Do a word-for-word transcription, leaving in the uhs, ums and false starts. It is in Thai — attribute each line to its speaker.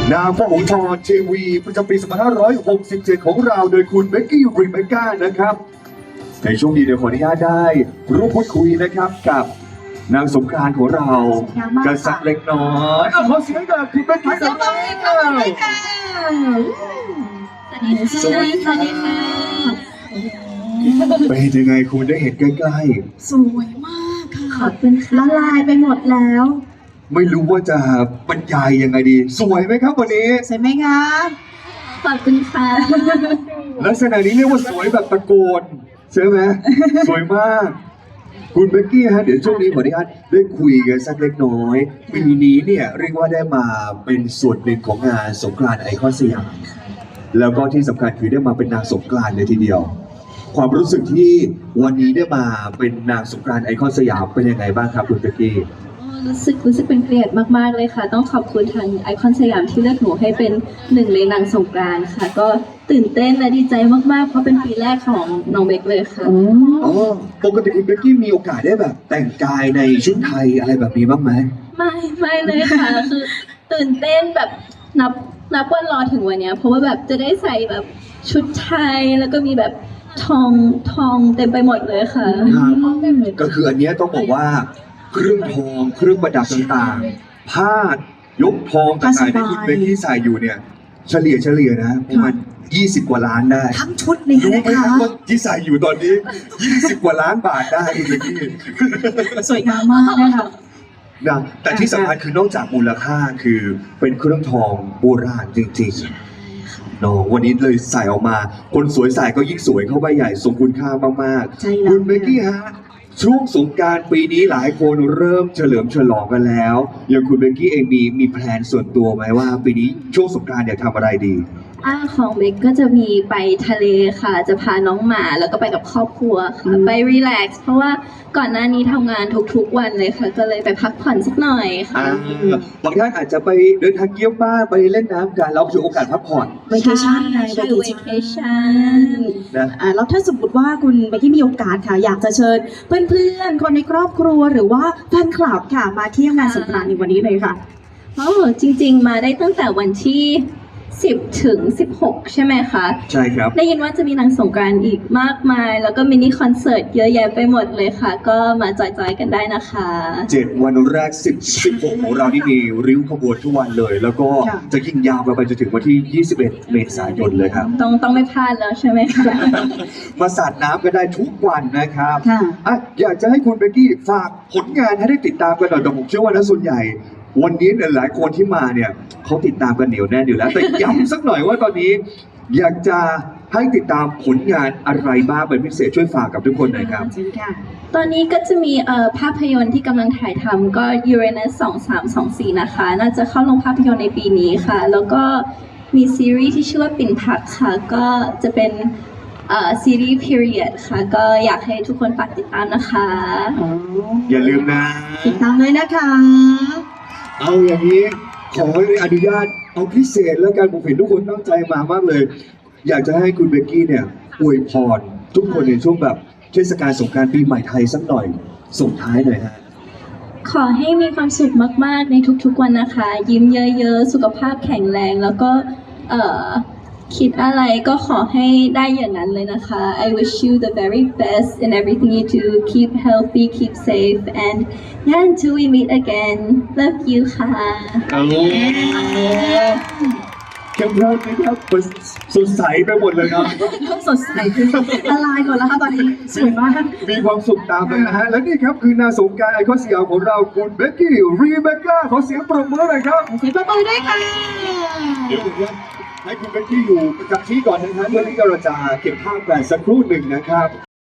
Speaker 1: นางพระหงส์ทองทีวีประจำปีสองพันห้าร้อยหกสิบเจ็ดของเราโดยคุณเบกกี้รีเบคก้านะครับในช่วงนี้เดี๋ยวขออนุญาตได้ร่วมพูดคุยนะครับกับนางสงกรานต์ของเรากันสักเล็กน้อยเอาขอเสียงกับคุณเบกกี้กันเลยค่ะ
Speaker 2: สวัสดีค่ะ สวัสดีค่ะ
Speaker 1: เป็นยังไงคุณได้เห็นใกล้
Speaker 2: สวยมากค่ะ ขอบคุณค่ะละลายไปหมดแล้ว
Speaker 1: ๆไม่รู้ว่าจะบรรยายยังไงดี สวยไหมครับวันนี้
Speaker 2: สวยไหมคะขอบคุณค่ะ
Speaker 1: ลักษณะนี้เรียกว่าสวยแบบตะโกนใช่ไหม สวยมาก คุณเบกกี้ฮะเดี๋ยวช่วงนี้ขออนุญาตได้คุยกันสักเล็กน้อยปีนี้เนี่ยเรียกว่าได้มาเป็นส่วนหนึ่งของงานสงกรานต์ไอคอนสยามแล้วก็ที่สำคัญคือได้มาเป็นนางสงกรานต์เลยทีเดียว ความรู้สึกที่วันนี้ได้มาเป็นนางสงกรานต์ไอคอนสยามเป็นยังไงบ้างครับคุณเบกกี้
Speaker 3: รู้สึกรู้สึกเป็นเกียรติมากๆเลยค่ะ ต้องขอบคุณทางไอคอนสยามที่เลือกหนูให้เป็นหนึ่งในนางสงกรานต์ค่ะ ก็ตื่นเต้นและดีใจมากๆ เพราะเป็นปีแรกของน้องเบคเลยค่ะ
Speaker 1: อ๋อปกติคุณเบกกี้มีโอกาสได้แบบแต่งกายในชุดไทยอะไรแบบนี้บ้างไหม
Speaker 3: ไม่ไม่เลยค่ะ คือตื่นเต้นแบบนับนับวันรอถึงวันเนี้ยเพราะว่าแบบจะได้ใส่แบบชุดไทยแล้วก็มีแบบทองทองเต็มไปหมดเลยค่ะ
Speaker 1: ก็คืออันเนี้ยต้องบอกว่าเครื่องทองเครื่องประดับต่างๆ ผ้ายกทองต่างๆที่คุณเบกกี้ใส่อยู่เนี่ย เฉลี่ยเฉลี่ยนะประมาณยี่สิบกว่าล้านได้
Speaker 2: ทั้งชุดเลย
Speaker 1: รู้ไหม
Speaker 2: นะ
Speaker 1: ค
Speaker 2: คะ
Speaker 1: รับว่าที่ใส่อยู่ตอนนี้ยี่สิบกว่าล้านบาทได้คุณเบกกี้
Speaker 2: สวยงามมากนะคะ
Speaker 1: นะแต่ที่สำคัญคือนอกจากมูลค่าคือเป็นเครื่องทองโบราณจริงๆเนาะวันนี้เลยใส่ออกมา คนสวยใส่ก็ยิ่งสวยเข้าไปใหญ่ทรงคุณค่ามาก
Speaker 2: ใช่
Speaker 1: ๆ
Speaker 2: แล้ว
Speaker 1: คุณเบกกี้ฮะช่วงสงกรานต์ปีนี้หลายคนเริ่มเฉลิมฉลองกันแล้วอย่างคุณเบกกี้เองมีมีแพลนส่วนตัวไหมว่า ปีนี้ช่วงสงกรานต์เนี่ยทำอะไรดี
Speaker 3: อ่าของเบคก็จะมีไปทะเลค่ะ จะพาน้องหมาแล้วก็ไปกับครอบครัวค่ะ ไปรีแลกซ์เพราะว่าก่อนหน้านี้ทำงานทุกๆวันเลยค่ะ ก็เลยไปพักผ่อนสักหน่อยค่ะ
Speaker 1: อ่าบางท่านอาจจะไปเดินทางเยี่ยมบ้านไปเล่นน้ำกันเราถือโอกาสพักผ่อน
Speaker 2: เวเคชั่นไง
Speaker 3: ใช่
Speaker 2: เว
Speaker 3: เว
Speaker 2: เค
Speaker 3: เค
Speaker 2: ชั่น
Speaker 3: ชั่น
Speaker 1: นะ
Speaker 2: อ่าแล้วถ้าสมมติว่าคุณเบกกี้มีโอกาสค่ะ อยากจะเชิญเพื่อนๆ คนในครอบครัวหรือว่าแฟนคลับค่ะ มาเที่ยวงานสงกรานต์ในวันนี้เลยค่ะ
Speaker 3: โอ้จริงๆ มาได้ตั้งแต่วันที่สิบถึงสิบหกใช่ไหมคะ
Speaker 1: ใช่ครับ
Speaker 3: ได้ยินว่าจะมีนางสงกรานต์อีกมากมาย แล้วก็มินิคอนเสิร์ตเยอะแยะไปหมดเลยค่ะ ก็มาจอยๆกันได้นะคะ
Speaker 1: เจ็ดวันแรกสิบ สิบหกของเราที่มีริ้วขบวนทุกวันเลย แล้วก็
Speaker 2: ค่ะ
Speaker 1: จะยิ่งยาวไปจนถึงวันที่ ยี่สิบเอ็ด เมษายนเลยครับ
Speaker 3: ต้องต้องไม่พลาดแล้วใช่ไหมคะ
Speaker 1: มาสาดน้ำกันได้ทุกวันนะครับ
Speaker 2: ค่ะ
Speaker 1: อ่ะอยากจะให้คุณเบกกี้ฝากผลงานให้ได้ติดตามกันหน่อยแต่ผมเชื่อว่านะส่วนใหญ่ วันนี้เนี่ยหลายคนที่มาเนี่ยเขาติดตามกันเหนียวแน่นอยู่แล้ว แต่ย้ำสักหน่อยว่าตอนนี้ อยากจะให้ติดตามผลงานอะไรบ้างเป็นพิเศษช่วยฝากกับทุกคนหน่อยครับ
Speaker 2: จริงค่ะ
Speaker 3: ตอนนี้ก็จะมีเอ่อภาพยนตร์ที่กำลังถ่ายทำก็ Uranus สองสามสองสี่นะคะ น่าจะเข้าลงภาพยนตร์ในปีนี้ค่ะ แล้วก็มีซีรีส์ที่ชื่อว่าปิ่นพักค่ะ ก็จะเป็นเอ่อซีรีส์ period ค่ะ ก็อยากให้ทุกคนฝากติดตามนะคะ
Speaker 1: อย่าลืมนะ
Speaker 2: ติดตามเลยนะคะ
Speaker 1: เอาอย่างนี้ขออนุญาตเอาพิเศษแล้วกันผมเห็นทุกคนตั้งใจมามากเลย อยากจะให้คุณเบกกี้เนี่ยอวยพรทุกคนในช่วงแบบเทศกาลสงกรานต์ปีใหม่ไทยสักหน่อยส่งท้ายหน่อยฮะ
Speaker 3: ขอให้มีความสุขมากๆในทุกๆวันนะคะ ยิ้มเยอะๆ สุขภาพแข็งแรงแล้วก็เอ่อคิดอะไรก็ขอให้ได้อย่างนั้นเลยนะคะ I wish you the very best in everything you do. Keep healthy, keep safe, and yeah, until we meet again. Love you ค่ะ
Speaker 1: เข้มพูดนะครับสดใสไปหมดเลยครับ
Speaker 2: โลกสดใสละลายหมดแล้วค่ะตอนนี้สวยมาก
Speaker 1: มีความสุขตามเลยนะฮะ และนี่ครับคือนางสงกรานต์ไอคอนสยามของเราคุณเบกกี้รีเบคก้าขอเสียงปรบมือหน่อยครับ
Speaker 2: เสียงปรบมือด้วยค่ะ
Speaker 1: เดี๋ยวผมจะให้คุณเบกกี้อยู่ประจำที่ก่อนนะครับเพื่อที่เราจะเก็บภาพกันสักครู่หนึ่งนะครับ